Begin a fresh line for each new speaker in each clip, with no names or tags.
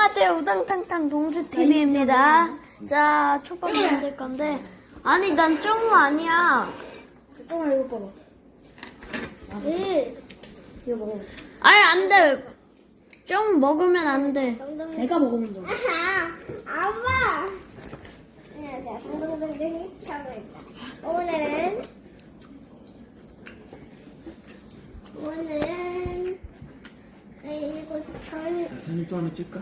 안녕하세요. 우당탕탕 동주TV입니다. 자, 초밥 만들 건데. 아니, 난 쫑우 아니야.
잠깐만 이거 봐봐. 이거 먹어.
아니, 안 돼. 쫑우 먹으면 안 돼.
내가 먹으면 돼.
아빠! 안녕하세요. 동동동동이 차고입니다. 오늘은 이거
사진 또 하나 찍까?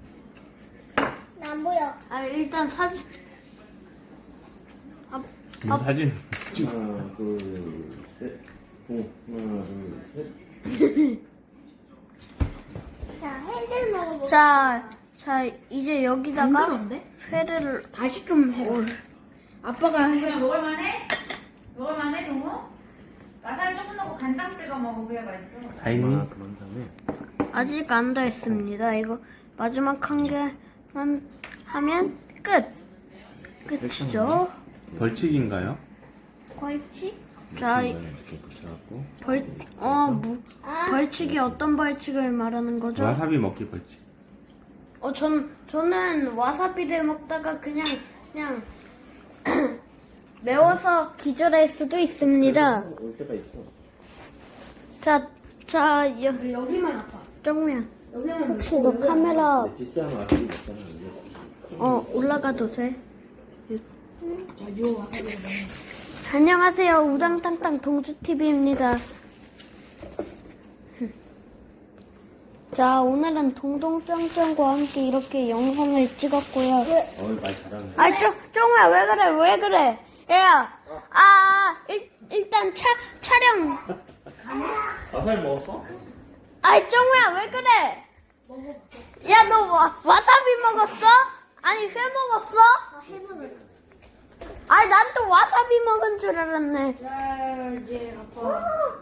안 보여.
아, 일단 사진.
사진 하나 둘셋 하나 둘셋
자, 해를 먹어볼게요.
자, 이제 여기다가
힘들었는데?
회를.
다시 좀 해. 아빠가 해.
그냥 먹을만해? 먹을만해 동우? 와사비 조금 넣고 간장 찍어 먹으면 그게 맛있어.
다 있니? 그런 다음에
아직 안 다 했습니다. 이거 마지막 한 개만 하면 끝. 끝이죠.
벌칙인가요?
벌칙? 자,
이렇게 붙여갖고
벌칙이 어떤 벌칙을 말하는 거죠?
와사비 먹기 벌칙.
저는 와사비를 먹다가 그냥 매워서 기절할 수도 있습니다.
올 때가 있어.
자,
여기만 아파.
정우야.
여기만
혹시 너 카메라
비싼 와사비 먹잖아.
올라가도 돼?
요 와사비를 먹는.
안녕하세요. 우당탕탕 동주TV입니다. 자, 오늘은 동동짱짱과 함께 이렇게 영상을 찍었고요.
말 잘하네.
아, 쫑우야, 왜 그래? 야, 일단 촬영.
와사비 먹었어?
아이, 쫑우야, 왜 그래? 야, 너 와사비 먹었어? 아니, 회 먹었어? 아니, 난 또 와사비 먹은 줄 알았네.
자, 이제 아빠.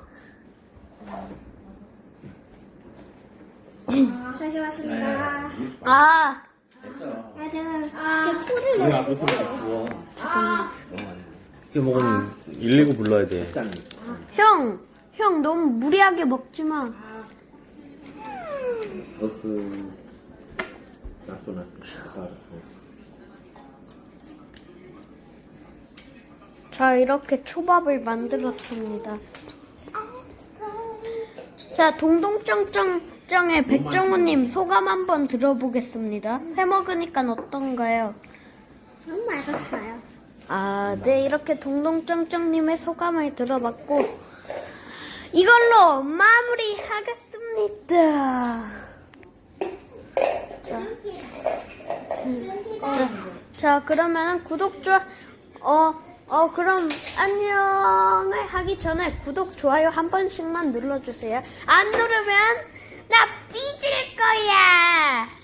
다시 왔습니다.
아,
됐어.
제가 소리를
우리 앞으로 좀 주워. 이렇게 먹으면 119 불러야 돼.
형, 너무 무리하게 먹지 마.
놔둬. 알았어.
자, 이렇게 초밥을 만들었습니다. 자, 동동짱짱짱의 백정우님 소감 한번 들어보겠습니다. 회 먹으니까 어떤가요?
너무 맛있어요.
아, 네, 이렇게 동동짱짱님의 소감을 들어봤고, 이걸로 마무리하겠습니다. 자, 그러면은 구독, 그럼 안녕을 하기 전에 구독, 좋아요 한 번씩만 눌러주세요. 안 누르면 나 삐질 거야.